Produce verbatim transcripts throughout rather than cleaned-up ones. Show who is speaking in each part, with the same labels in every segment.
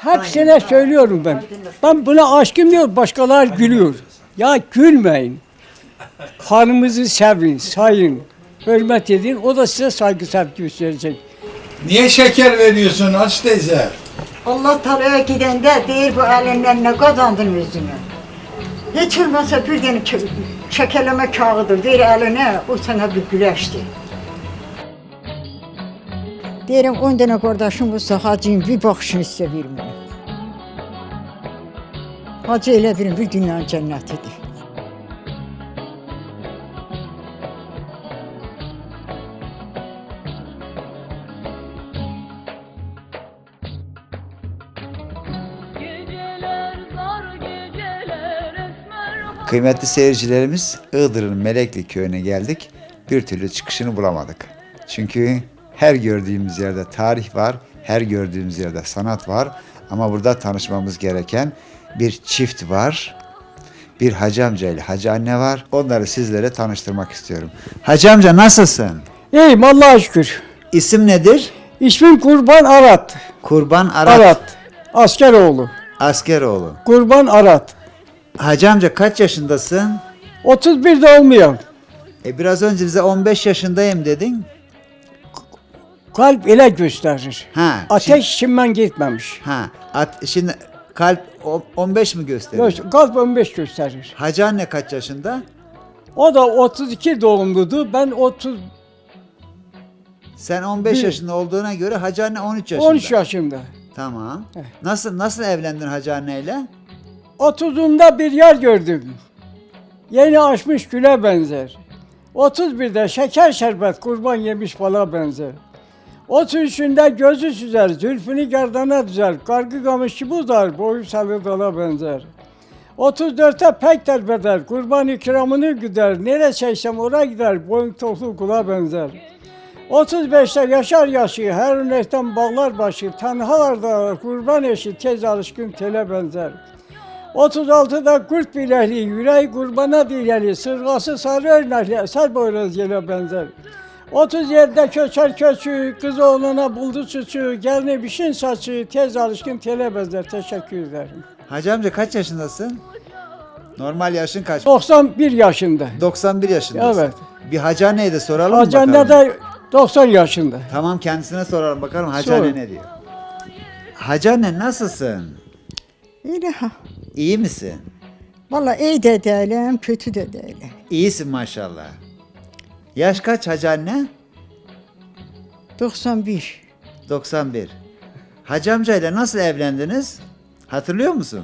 Speaker 1: hepsine söylüyorum ben. Ben buna aşkım diyor, başkalar gülüyor. Ya gülmeyin. Hanımızı sevin, sayın, hürmet edin. O da size saygı sevgi gösterecek.
Speaker 2: Niye şeker veriyorsun aç teyze?
Speaker 3: Allah Teala'ya gidende deyir bu elinden ne kazandın özünü. Hiç olmazsa bir tane çe- çekeleme kağıdı ver eline, o sana bir güleşti. Derim on tane kardeşim olsa hacıyım bir bakışını size vermem. Hacı elə birim bir dünyanın cənnətidir.
Speaker 4: Kıymetli seyircilerimiz, Iğdır'ın Melekli köyüne geldik. Bir türlü çıkışını bulamadık. Çünkü her gördüğümüz yerde tarih var, her gördüğümüz yerde sanat var. Ama burada tanışmamız gereken bir çift var. Bir hacı amca ile hacı anne var. Onları sizlere tanıştırmak istiyorum. Hacı amca nasılsın?
Speaker 1: İyiyim Allah'a şükür.
Speaker 4: İsim nedir?
Speaker 1: İsmim Kurban Arat.
Speaker 4: Kurban Arat.
Speaker 1: Arat. Askeroğlu.
Speaker 4: Askeroğlu.
Speaker 1: Kurban Arat.
Speaker 4: Hacı amca kaç yaşındasın?
Speaker 1: otuz bir de olmuyor.
Speaker 4: E biraz önce bize on beş yaşındayım dedin.
Speaker 1: Kalp ele gösterir.
Speaker 4: Ha.
Speaker 1: Ateş içimden gitmemiş.
Speaker 4: Ha, at, şimdi kalp o- on beş mi gösteriyor?
Speaker 1: Gö- Kalp on beş gösterir.
Speaker 4: Hacı anne kaç yaşında?
Speaker 1: O da otuz iki doğumludu. Ben otuz
Speaker 4: Sen on beş
Speaker 1: Bir-
Speaker 4: yaşında olduğuna göre hacı anne on üç yaşında.
Speaker 1: on üç yaşında.
Speaker 4: Tamam. Nasıl nasıl evlendin hacı anneyle?
Speaker 1: otuzunda bir yer gördüm. Yeni açmış güle benzer. otuz birde şeker şerbet kurban yemiş bala benzer. otuz üçünde gözü süzer, zülfünü gerdana düzer, kargı kamışı buzar, boyu salı dala benzer. otuz dörtte pek derbeder, kurban ikramını güder, nere çeksem oraya gider, boyun toklu kula benzer. otuz beşte yaşar yaşı, her örnekten bağlar başı, tenhalarda kurban eşi, tez alışkın tele benzer. otuz altıda kurt bilekli, yüreği kurbana dileli, sırgası sarı örnekli, eser boyraz yele benzer. otuz yedide köçer köçü, kız oğluna buldu suçu, gelini bişin saçı, tez alışkın tele benzer. Teşekkür ederim.
Speaker 4: Hacı amca kaç yaşındasın? Normal yaşın kaç?
Speaker 1: doksan bir yaşında.
Speaker 4: doksan bir yaşındasın.
Speaker 1: Evet.
Speaker 4: Bir hacı anneye de soralım mı
Speaker 1: Hacı anne
Speaker 4: bakalım?
Speaker 1: de doksan yaşında.
Speaker 4: Tamam kendisine soralım bakalım hacı
Speaker 1: Sor.
Speaker 4: anne ne diyor? Hacı anne nasılsın?
Speaker 3: Elə ha.
Speaker 4: İyi misin?
Speaker 3: Valla iyi de değilim, kötü de değilim.
Speaker 4: İyisin maşallah. Yaş kaç hacı anne?
Speaker 3: doksan bir.
Speaker 4: doksan bir. Hacı amcayla nasıl evlendiniz? Hatırlıyor musun?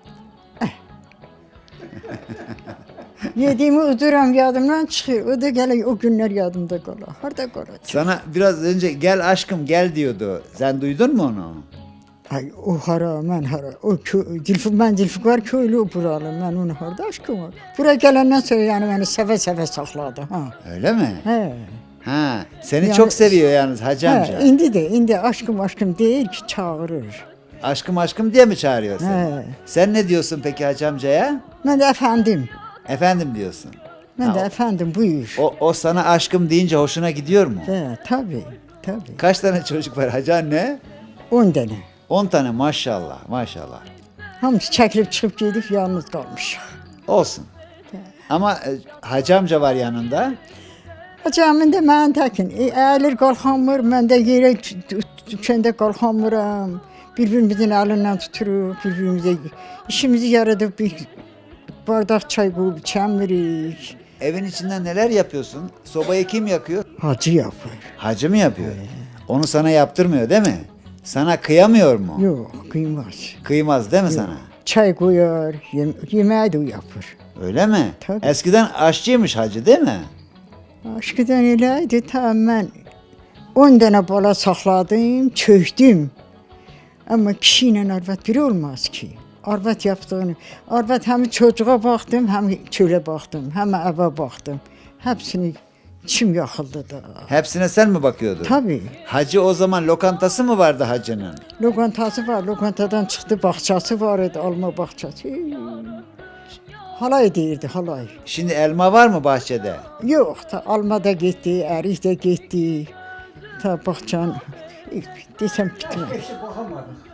Speaker 3: Yediğimi uduram yadımdan çıxır. O da gələ o günlər yadımda qala. Harda qalacaq?
Speaker 4: Sana biraz önce gel aşkım gel diyordu. Sen duydun mu onu?
Speaker 3: Ay o hara, mən hara. O kö- Dilfi, mən Dilfikar köylü o buralı. Mən onu harda aşkım var. Bura gələndən sonra yəni məni sevə-sevə saxladı. Ha.
Speaker 4: Öyle mi?
Speaker 3: Hə.
Speaker 4: Ha, seni
Speaker 3: Yani-
Speaker 4: çok seviyor yalnız hacı amca.
Speaker 3: Hə, indi də, indi aşkım aşkım deyir ki, çağırır.
Speaker 4: Aşkım aşkım diye mi çağırıyor seni?
Speaker 3: He.
Speaker 4: Sen ne diyorsun peki hacı amcaya?
Speaker 3: Mən də əfəndim.
Speaker 4: Efendim diyorsun.
Speaker 3: Mən
Speaker 4: Ha,
Speaker 3: də əfəndim, buyur.
Speaker 4: O, o sana aşkım deyince hoşuna gidiyor mu?
Speaker 3: Hə, tabii, tabii.
Speaker 4: Kaç tane çocuk var hacı anne?
Speaker 3: on dənə.
Speaker 4: on tane maşallah maşallah.
Speaker 3: Hamısı çəkilib çıxıb gedib, yalnız qalmışıq.
Speaker 4: Olsun. Ama e, hacı amca var yanında.
Speaker 3: Hacamın da mən təkin, e, əyilir qalxamır, mən də yerə düşəndə qalxamıram. Bir-birimizin əlindən tuturuq, bir-birimizə işimizi yaradıb bir bardaq çay qoyub içəmirik.
Speaker 4: Evin içinden neler yapıyorsun? Sobayı kim yakıyor?
Speaker 3: Hacı yapır.
Speaker 4: Hacı mı yapıyor? Onu sana yaptırmıyor değil mi? Sana kıyamıyor mu?
Speaker 3: Yox, qıymaz.
Speaker 4: Kıymaz değil mi sana?
Speaker 3: Çay qoyar, yem yeməyi də o yapır.
Speaker 4: Öyle mi?
Speaker 3: Tabii.
Speaker 4: Eskiden aşçıymış hacı değil mi?
Speaker 3: Aşkıdan elə idi, ta mən on dənə bala saxladım, çöktüm. Amma kişi ilə arvad biri olmaz ki. Arvad yaptığını, arvad həm çocuğa baxdım, həm çölə baxdım, həm evə baxdım. Hepsini içim yaxıldı da.
Speaker 4: Hepsine sen mi bakıyordun?
Speaker 3: Tabii.
Speaker 4: Hacı o zaman lokantası mı vardı hacının?
Speaker 3: Lokantası var, lokantadan çıxdı, bağçası var idi, alma bağçası. Halay deyirdi, halay.
Speaker 4: Şimdi elma var mı bahçede?
Speaker 3: Yox, ta alma da getdi, ərik də getdi. Ta bağçanın desəm bitməz.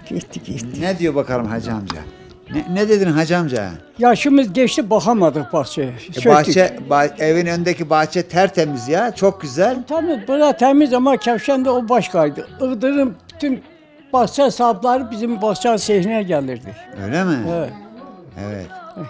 Speaker 3: Gitti gitti.
Speaker 4: Ne diyor bakalım hacı amca? Ne, ne dedin hacı amca?
Speaker 1: Yaşımız geçti bakamadık bahçeye.
Speaker 4: E,
Speaker 1: Söktük.
Speaker 4: bahçe, bah- evin önündeki bahçe tertemiz ya. Çok güzel.
Speaker 1: Tabii bura temiz ama Kevşen'de o başkaydı. Iğdır'ın bütün bahçe sahipleri bizim bahçe sehrine gelirdi.
Speaker 4: Öyle mi?
Speaker 1: Evet.
Speaker 4: Evet.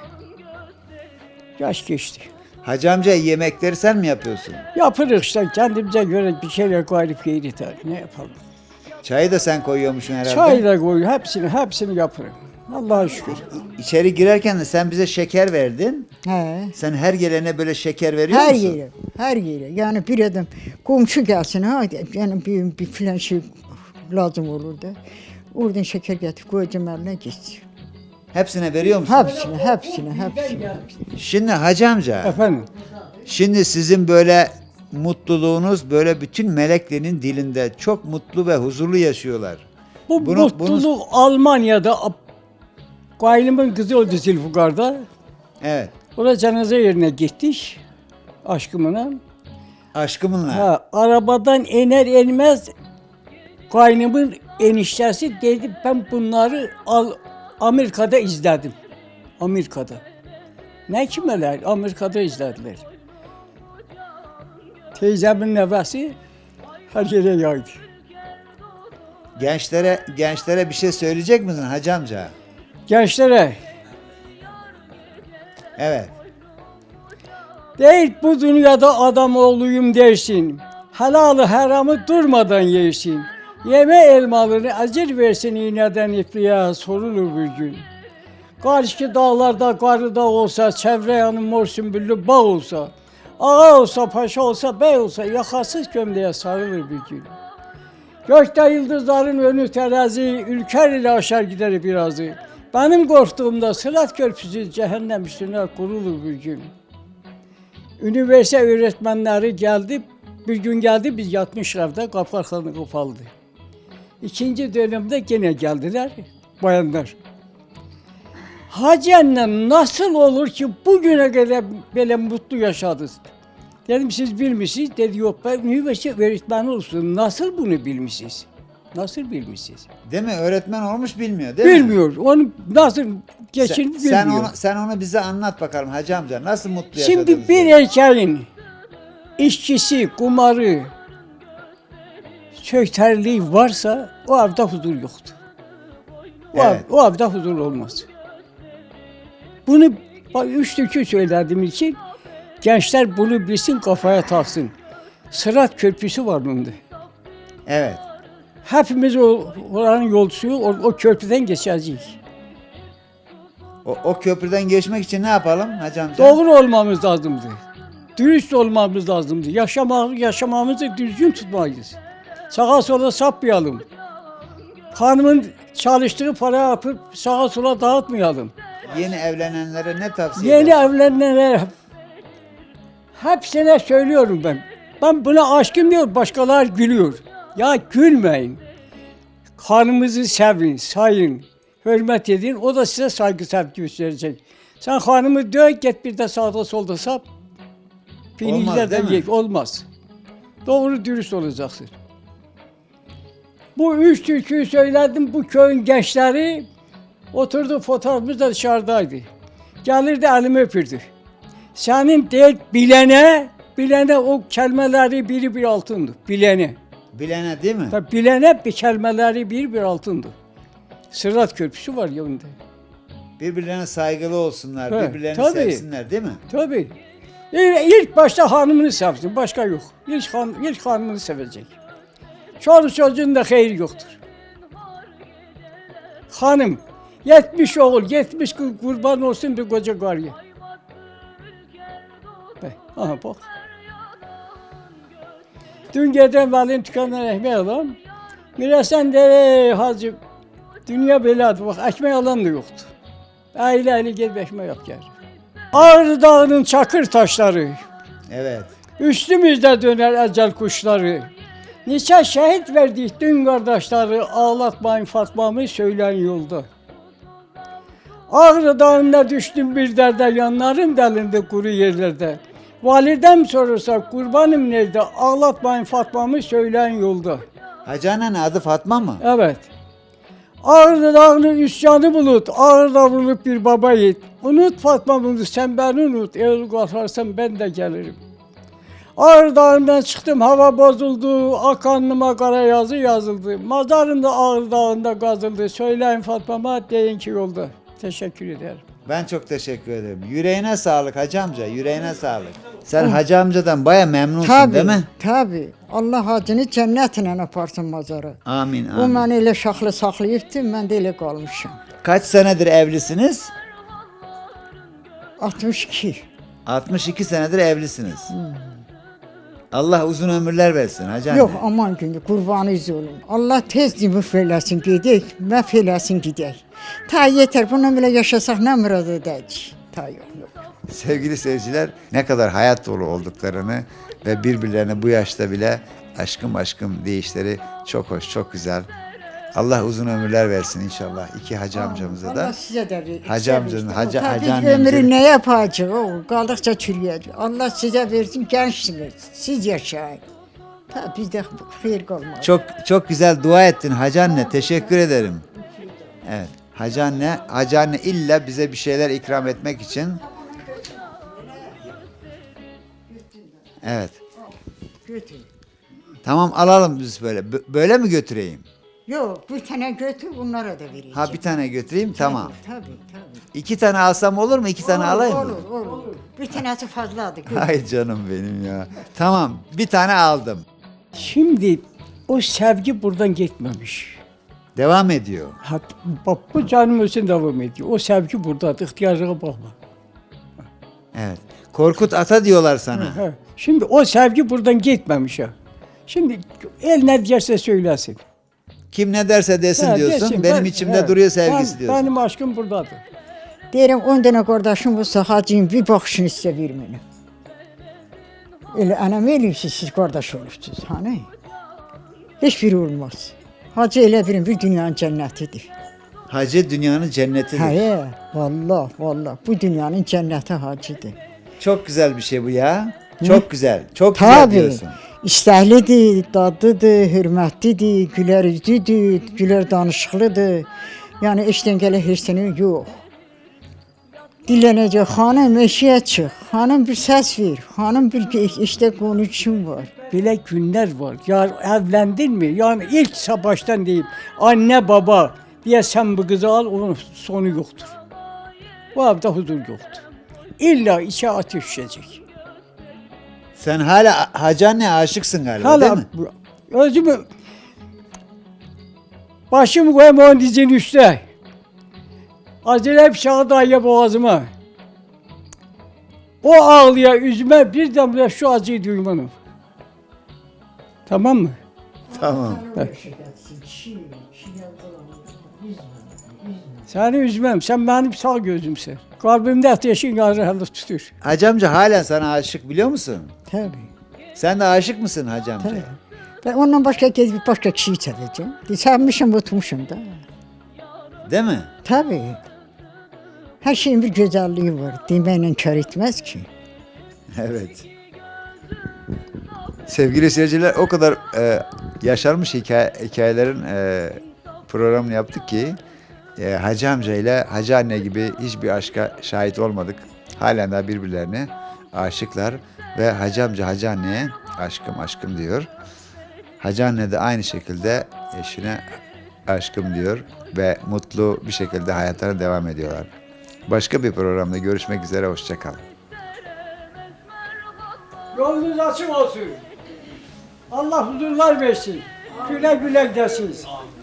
Speaker 1: Yaş geçti.
Speaker 4: Hacı amca yemekleri sen mi yapıyorsun?
Speaker 1: Yapırız işte kendimize göre bir şeyler koyup yedik. Ne yapalım?
Speaker 4: Çayı da sen koyuyormuşsun herhalde.
Speaker 1: Çay da koy, hepsini hepsini yaparım. Allah'a şükür.
Speaker 4: İçeri girerken de sen bize şeker verdin.
Speaker 3: He.
Speaker 4: Sen her gelene böyle şeker veriyor
Speaker 3: Her
Speaker 4: musun?
Speaker 3: yere, her yere. Yani bir adam komşu gelsin ha, yani bir, bir filan şey lazım olur da. Oradan şeker getir, koyacağım eline gitsin.
Speaker 4: Hepsine veriyor musun?
Speaker 3: Hepsine, hepsine, hepsine.
Speaker 4: Şimdi hacı amca,
Speaker 1: Efendim,
Speaker 4: şimdi sizin böyle mutluluğunuz böyle bütün Melekli'nin dilinde çok mutlu ve huzurlu yaşıyorlar.
Speaker 1: bu
Speaker 4: Bunu-
Speaker 1: mutluluk Almanya'da Gaylımın kızı oldu Zülfukar'da.
Speaker 4: Evet.
Speaker 1: Orada cenaze yerine gittik aşkımla.
Speaker 4: Aşkımınla.
Speaker 1: Ha, arabadan iner inmez kaynımın eniştesi dedi ben bunları al, Amerika'da izledim. Amerika'da. Ne kimeler? Amerika'da izlediler. Teyzemin nevesi her yere yaydı.
Speaker 4: Gençlere gençlere bir şey söyleyecek misin hacı amca?
Speaker 1: Gençlere
Speaker 4: Evet.
Speaker 1: değil bu dünyada adam oğluyum dersin. Helalı haramı durmadan yersin. Yeme elmalarını acır versin iğneden ipliğe sorulur bir gün. Karşı dağlarda karı dağ olsa, çevre yanı mor sümbüllü bağ olsa, ağa olsa, paşa olsa, bey olsa yakasız gömleğe sarılır bir gün. Gökte yıldızların önü terazi, ülker ile aşar gider birazı. Benim korktuğumda Sırat Köprüsü cehennem üstüne kurulur bir gün. Üniversite öğretmenleri geldi, bir gün geldi biz yatmış evde kapı kapalı. İkinci dönemde gene geldiler bayanlar. Hacı annem nasıl olur ki bugüne kadar böyle mutlu yaşadınız? Dedim siz bilmişsiniz. Dedi yok ben üniversite öğretmeni olsun. Nasıl bunu bilmişsiniz? Nasıl bilmişsiniz?
Speaker 4: Değil mi? Öğretmen olmuş bilmiyor değil mi?
Speaker 1: Bilmiyor. Onu nasıl
Speaker 4: Sen,
Speaker 1: geçin
Speaker 4: sen
Speaker 1: bilmiyor.
Speaker 4: onu sen onu bize anlat bakalım hacı amca. Nasıl mutlu yaşadınız?
Speaker 1: Şimdi bir
Speaker 4: diye.
Speaker 1: erkeğin işçisi, kumarı, sökterliği varsa o evde huzur yoktur. O, ev-
Speaker 4: Evet.
Speaker 1: o evde huzur olmaz. Bunu bak, üç türkü söylediğim için gençler bunu bilsin kafaya taksın. Sırat Köprüsü var bunda.
Speaker 4: Evet.
Speaker 1: Hepimiz o oranın yolcusu o, o köprüden geçeceğiz.
Speaker 4: O, o köprüden geçmek için ne yapalım hacı amca?
Speaker 1: Doğru olmamız lazımdı. Dürüst olmamız lazımdı. Yaşama, yaşamamızı düzgün tutmalıyız. Sağa sola sapmayalım. Hanımın çalıştığı para yapıp sağa sola dağıtmayalım.
Speaker 4: Yeni evlenenlere ne tavsiye
Speaker 1: Yeni
Speaker 4: edersin?
Speaker 1: evlenenlere hepsine söylüyorum ben. Ben buna aşkım diyor, başkalar gülüyor. Ya gülmeyin. Hanımınızı sevin, sayın, hürmet edin. O da size saygı sevgi gösterecek. Sen hanımı döv, git bir de sağda solda sap.
Speaker 4: Olmaz,
Speaker 1: Pirinçle de
Speaker 4: değil mi?
Speaker 1: ye, olmaz. Doğru dürüst olacaksın. Bu üç türküyü söyledim, bu köyün gençleri oturdu, fotoğrafımız da dışarıdaydı. Gelirdi elimi öpürdü. Senin değil bilene, bilene o kelimeleri biri bir altındı. Bilene.
Speaker 4: Bilene değil mi?
Speaker 1: Tabii bilene bir kelimeleri bir bir altındı. Sırat Köprüsü var yanında.
Speaker 4: Birbirlerine saygılı olsunlar,
Speaker 1: Evet,
Speaker 4: birbirlerini
Speaker 1: tabii.
Speaker 4: sevsinler değil mi?
Speaker 1: Tabii. İlk, ilk başta hanımını sevsin, başka yok. İlk, han, ilk hanımını sevecek. Çoluk çocuğun da hayır yoktur. Hanım, yetmiş oğul, yetmiş kız kurban olsun bir koca karıya. Bak, aha bak. Dün gece valinin dükkanından ekmek alalım. Miresen de hacı, dünya beladı, bak ekmek alan da yoktu. Aile aile gel bir ekmek yap gel. Ağrı Dağı'nın çakır taşları,
Speaker 4: Evet.
Speaker 1: üstümüzde döner ecel kuşları. Niçe şehit verdik dün kardeşleri, ağlatmayın Fatma'mı söyleyen yolda. Ağrı Dağı'nda düştüm bir derde, yanlarım delindi kuru yerlerde. Validem sorursa kurbanım nerede, ağlatmayın Fatma'mı söyleyen yolda.
Speaker 4: Hacı annenin adı Fatma mı?
Speaker 1: Evet. Ağrı dağının üsyanı bulut, ağırda vurulup bir baba yiğit. Unut Fatma unut, sen beni unut, eğer kalkarsan ben de gelirim. Ağrı dağından çıktım, hava bozuldu, akanlıma kara yazı yazıldı. Mazarım da Ağrı dağında kazıldı, söyleyin Fatma'ma deyin ki yolda. Teşekkür ederim.
Speaker 4: Ben çok teşekkür ederim. Yüreğine sağlık hacı amca, yüreğine sağlık. Sen hacı amcadan baya memnunsun
Speaker 3: Tabii,
Speaker 4: değil mi?
Speaker 3: tabii. Allah hacını cənnətlə aparsın mazara.
Speaker 4: Amin
Speaker 3: O
Speaker 4: amin.
Speaker 3: məni elə şaxlı saxlayıbdı, mən də elə qalmışam.
Speaker 4: Kaç senedir evlisiniz?
Speaker 3: altmış iki.
Speaker 4: altmış iki senedir evlisiniz. Allah uzun ömürler versin hacı anne.
Speaker 3: Yox, aman gündür, qurbanınız olum. Allah tez dimif eləsin, gedək, məhv eləsin, gedək. Ta yetər, bundan belə yaşasaq nə murad edəcək? Ta yox, yox.
Speaker 4: Sevgili seyirciler, ne kadar hayat dolu olduklarını ve birbirlerine bu yaşta bile aşkım aşkım deyişleri çok hoş, çok güzel. Allah uzun ömürler versin inşallah iki hacı amcamıza da.
Speaker 3: Allah sizə də verir.
Speaker 4: Hacı amcanın, hacı,
Speaker 3: Tabii
Speaker 4: hacı
Speaker 3: biz
Speaker 4: annemizin-
Speaker 3: ömrü nə yapacaq? O, qaldıqca çürüyəcək. Allah sizə versin, gəncsiniz. Siz yaşayın. Ta bizdə xeyir qalmaz.
Speaker 4: Çok çok güzel dua ettin hacı anne, teşekkür ederim. Evet, hacı anne, hacı anne illa bize bir şeyler ikram etmek için. Evet,
Speaker 3: Götür.
Speaker 4: tamam alalım biz böyle. Bö- Böyle mi götüreyim?
Speaker 3: Yox, bir tane götür, bunlara da verəcəm.
Speaker 4: Ha bir tane götüreyim, tamam.
Speaker 3: Tabii, tabii.
Speaker 4: İki tane alsam olur mu? İki tane alayım mı?
Speaker 3: Olur, olur. Bir tanesi fazladır. götür.
Speaker 4: Ay canım benim ya. Tamam, bir tane aldım.
Speaker 1: Şimdi o sevgi buradan gitmemiş.
Speaker 4: Devam ediyor.
Speaker 1: Ha, bak bu canım için devam ediyor. O sevgi buradadır, ihtiyacına bakma.
Speaker 4: Evet. Korkut Ata diyorlar sana.
Speaker 1: Ha, şimdi o sevgi buradan gitmemiş ha. Şimdi el ne derse söylesin.
Speaker 4: Kim ne derse desin
Speaker 1: Ha,
Speaker 4: diyorsun.
Speaker 1: desin,
Speaker 4: Benim
Speaker 1: ben-
Speaker 4: içimde
Speaker 1: ha,
Speaker 4: duruyor sevgisi
Speaker 1: ben-
Speaker 4: diyorsun.
Speaker 1: Benim aşkım buradadır.
Speaker 3: Deyirəm, on dənə qardaşım olsa, hacıyım, bir baxışını sizə verməyim. Elə anam eləyibsiz, siz qardaş olubsuz, hani? Heç biri olmaz. Hacı elə birin, bir dünyanın cənnətidir.
Speaker 4: Hacı dünyanın cennetidir.
Speaker 3: Hə, vallah, vallah, bu dünyanın cənnəti hacıdır.
Speaker 4: Çok güzel bir şey bu ya. Çok güzel. Çok güzel
Speaker 3: Tabii,
Speaker 4: diyorsun.
Speaker 3: istəklidir, dadlıdır, hörmətlidir, gülər üzlüdür, gülər danışıqlıdır. Yəni, eşdən gələ hirsini yox. Dillənəcək, xanım eşiyə çıx, xanım bir səs ver, xanım bir işdə konuşun var.
Speaker 1: Böyle günler var. Ya evlendin mi? Yani ilk baştan diyeyim. Anne baba diye sen bu kızı al, onun sonu yoktur. Bu evde huzur yoktur. İlla içe ateş düşecek.
Speaker 4: Sen hala hacı anne aşıksın galiba değil
Speaker 1: Hala
Speaker 4: mi?
Speaker 1: bu- özümü başımı koyayım onun dizinin üstüne. Acele bıçağı dayıya boğazıma. O ağlıya üzme bir damla şu acıyı duymanım. Tamam mı?
Speaker 4: Tamam.
Speaker 1: Seni üzmem, sen benim sağ gözümsün. Kalbimde ateşin gazı hala tutur.
Speaker 4: Hacı amca halen sana aşık biliyor musun?
Speaker 3: Təbii,
Speaker 4: Sen de aşık mısın hacı
Speaker 3: təbii.
Speaker 4: amcaya?
Speaker 3: Və ondan başqa gedib başqa kişiyi çəkəcəm. Sevmişim, unutmuşum da.
Speaker 4: Değil mi?
Speaker 3: Tabii. Her şeyin bir güzelliği var. Deməklə kar etmez ki.
Speaker 4: Evet. Sevgili seyirciler o kadar e, yaşanmış hikaye, hikayelerin e, programını yaptık ki e, Hacı amca ile Hacı anne gibi hiçbir aşka şahit olmadık. Halen daha birbirlerine aşıklar ve Hacı amca Hacı anneye aşkım aşkım diyor. Hacı anne de aynı şekilde eşine aşkım diyor ve mutlu bir şekilde hayatlarına devam ediyorlar. Başka bir programda görüşmek üzere, hoşça kalın.
Speaker 1: Yolunuz açık olsun. Allah huzurlar versin. Güle güle gidesiniz.